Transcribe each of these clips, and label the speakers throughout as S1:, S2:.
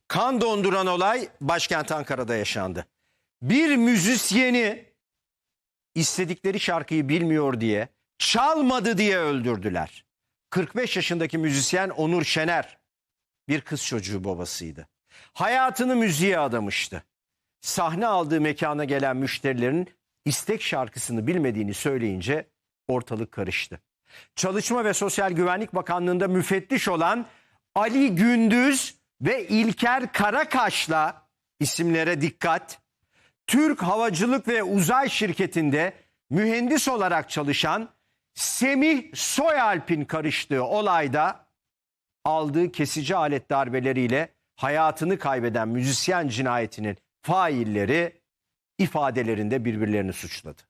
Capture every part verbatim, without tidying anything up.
S1: Kan donduran olay başkent Ankara'da yaşandı. Bir müzisyeni istedikleri şarkıyı bilmiyor diye, çalmadı diye öldürdüler. kırk beş yaşındaki müzisyen Onur Şener bir kız çocuğu babasıydı. Hayatını müziğe adamıştı. Sahne aldığı mekana gelen müşterilerin istek şarkısını bilmediğini söyleyince ortalık karıştı. Çalışma ve Sosyal Güvenlik Bakanlığı'nda müfettiş olan Ali Gündüz ve İlker Karakaş'la, isimlere dikkat, Türk Havacılık ve Uzay Şirketi'nde mühendis olarak çalışan Semih Soyalp'in karıştığı olayda aldığı kesici alet darbeleriyle hayatını kaybeden müzisyen cinayetinin failleri ifadelerinde birbirlerini suçladı.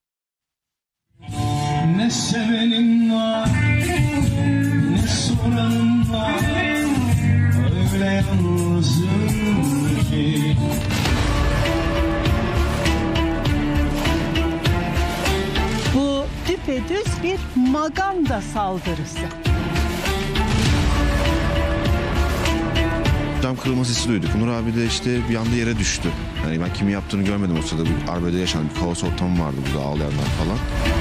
S2: Ne sevenim var, ne soranım var, öyle yalnızım ki.
S3: Bu düpedüz bir maganda saldırısı.
S4: Cam kırılma sesi duyduk. Onur abi de işte bir anda yere düştü. Yani ben kimin yaptığını görmedim o sırada. Bir arbede yaşandı. Bir kaos ortamı vardı burada, ağlayanlar falan.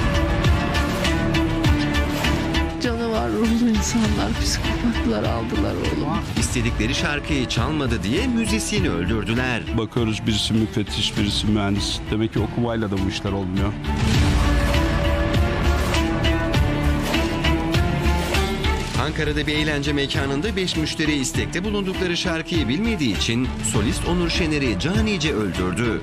S5: Canavar ruhlu insanlar, psikopatlar aldılar oğlumu.
S6: İstedikleri şarkıyı çalmadı diye müzisyeni öldürdüler.
S7: Bakıyoruz, birisi müfettiş, birisi mühendis. Demek ki okumayla da bu işler olmuyor.
S6: Ankara'da bir eğlence mekanında beş müşteri istekte bulundukları şarkıyı bilmediği için solist Onur Şener'i canice öldürdü.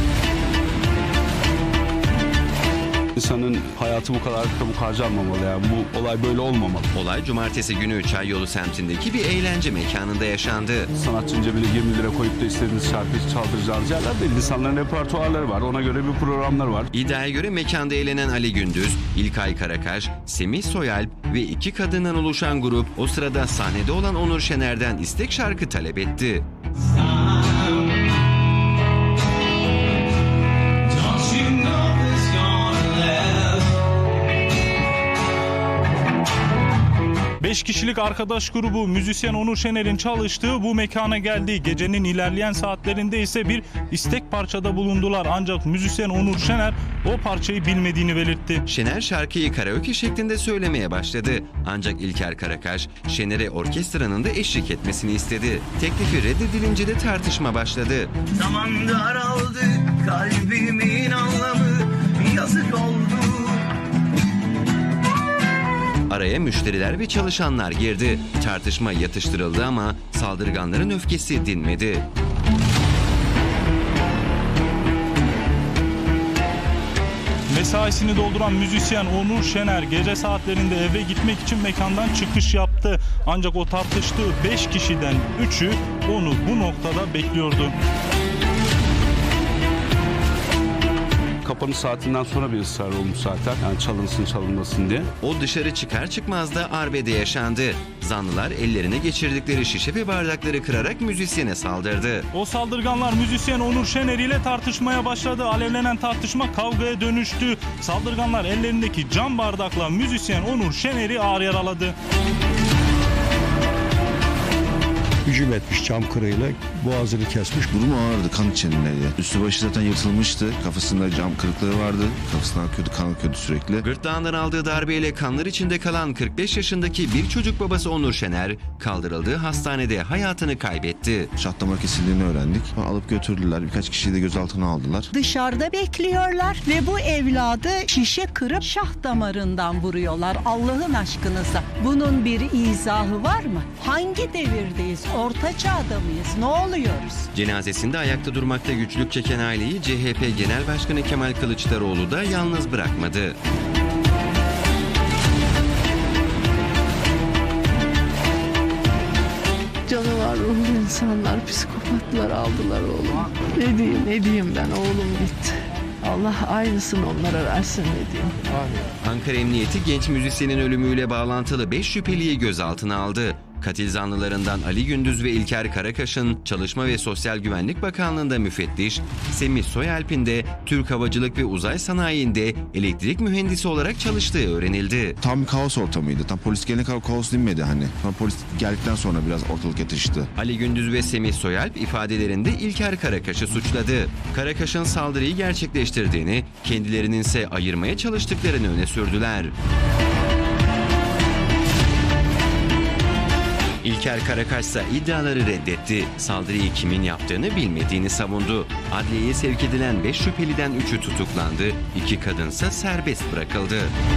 S7: İnsanın hayatı bu kadar çabuk harcanmamalı yani. Bu olay böyle olmamalı.
S6: Olay cumartesi günü Çayyolu semtindeki bir eğlence mekanında yaşandı.
S7: Sanatçının cebine yirmi lira koyup da istediğiniz şarkıyı çaldıracağınız yerler değil. İnsanların repertuarları var. Ona göre bir programlar var.
S6: İddiaya göre mekanda eğlenen Ali Gündüz, İlkay Karakaş, Semih Soyalp ve iki kadından oluşan grup o sırada sahnede olan Onur Şener'den istek şarkı talep etti.
S8: Beş kişilik arkadaş grubu müzisyen Onur Şener'in çalıştığı bu mekana geldi. Gecenin ilerleyen saatlerinde ise bir istek parçada bulundular. Ancak müzisyen Onur Şener o parçayı bilmediğini belirtti.
S6: Şener şarkıyı karaoke şeklinde söylemeye başladı. Ancak İlker Karakaş, Şener'e orkestranın da eşlik etmesini istedi. Teklifi reddedilince de tartışma başladı.
S2: Zaman daraldı, kalbimin anlamı yazık oldu.
S6: Araya müşteriler ve çalışanlar girdi. Tartışma yatıştırıldı ama saldırganların öfkesi dinmedi.
S8: Mesaisini dolduran müzisyen Onur Şener gece saatlerinde eve gitmek için mekandan çıkış yaptı. Ancak o tartıştığı beş kişiden üçü onu bu noktada bekliyordu.
S7: Kapanış saatinden sonra bir ısrar olmuş zaten. Yani çalınsın çalınmasın diye.
S6: O dışarı çıkar çıkmaz da arbede yaşandı. Zanlılar ellerine geçirdikleri şişe ve bardakları kırarak müzisyene saldırdı.
S8: O saldırganlar müzisyen Onur Şener ile tartışmaya başladı. Alevlenen tartışma kavgaya dönüştü. Saldırganlar ellerindeki cam bardakla müzisyen Onur Şener'i ağır yaraladı.
S9: Hücum etmiş cam kırığıyla, boğazını kesmiş.
S4: Durumu ağırdı, kan içindeydi. Üstü başı zaten yırtılmıştı. Kafasında cam kırıkları vardı. Kafasından akıyordu, kan akıyordu sürekli.
S6: Gırtlağından aldığı darbeyle kanlar içinde kalan kırk beş yaşındaki bir çocuk babası Onur Şener kaldırıldığı hastanede hayatını kaybetti.
S4: Şah damar kesildiğini öğrendik. Alıp götürdüler. Birkaç kişiyi de gözaltına aldılar.
S3: Dışarıda bekliyorlar ve bu evladı şişe kırıp şah damarından vuruyorlar. Allah'ın aşkınıza. Bunun bir izahı var mı? Hangi devirdeyiz? Orta çağda mıyız? Ne oluyoruz?
S6: Cenazesinde ayakta durmakta güçlük çeken aileyi C H P Genel Başkanı Kemal Kılıçdaroğlu da yalnız bırakmadı.
S5: Canavar ruhlu insanlar, psikopatlar aldılar oğlumu. Ne diyeyim, ne diyeyim ben, oğlum gitti. Allah aynısını onlara versin ne diyeyim.
S6: Ankara Emniyeti genç müzisyenin ölümüyle bağlantılı beş şüpheliyi gözaltına aldı. Katil zanlılarından Ali Gündüz ve İlker Karakaş'ın Çalışma ve Sosyal Güvenlik Bakanlığı'nda müfettiş, Semih Soyalp'in de Türk Havacılık ve Uzay Sanayi'nde elektrik mühendisi olarak çalıştığı öğrenildi.
S4: Tam bir kaos ortamıydı. Tam polis gelene kadar kaos dinmedi hani. Tam polis geldikten sonra biraz ortalık yatıştı.
S6: Ali Gündüz ve Semih Soyalp ifadelerinde İlker Karakaş'ı suçladı. Karakaş'ın saldırıyı gerçekleştirdiğini, kendilerinin ise ayırmaya çalıştıklarını öne sürdüler. İlker Karakaş ise iddiaları reddetti. Saldırıyı kimin yaptığını bilmediğini savundu. Adliyeye sevk edilen beş şüpheliden üçü tutuklandı, iki kadınsa serbest bırakıldı.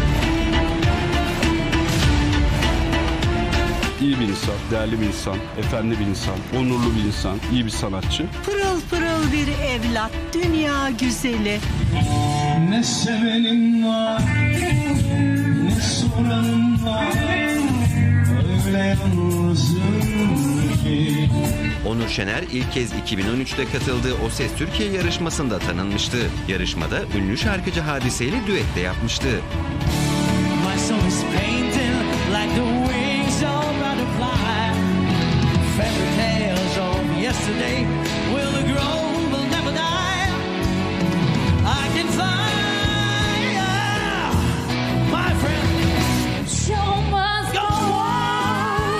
S7: İyi bir insan, değerli bir insan, efendi bir insan, onurlu bir insan, iyi bir sanatçı.
S3: Pırıl pırıl bir evlat, dünya güzeli.
S2: Ne sevenim var, ne soranım var. Öyle yalnızım ki.
S6: Onur Şener ilk kez iki bin on üçte katıldığı O Ses Türkiye yarışmasında tanınmıştı. Yarışmada ünlü şarkıcı Hadise ile düet de yapmıştı.
S2: My soul is painted like the wings of a butterfly. Fairy tales of yesterday will grow, will never die. I can fly, yeah, my friend. Show must go on.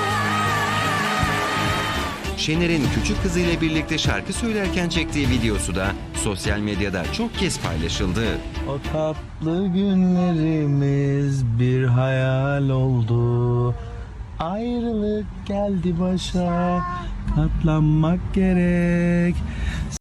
S6: Şener'in küçük kızıyla birlikte şarkı söylerken çektiği videosu da sosyal medyada çok kez paylaşıldı.
S2: O tatlı günlerimiz bir hayal oldu. Ayrılık geldi başa, katlanmak gerek.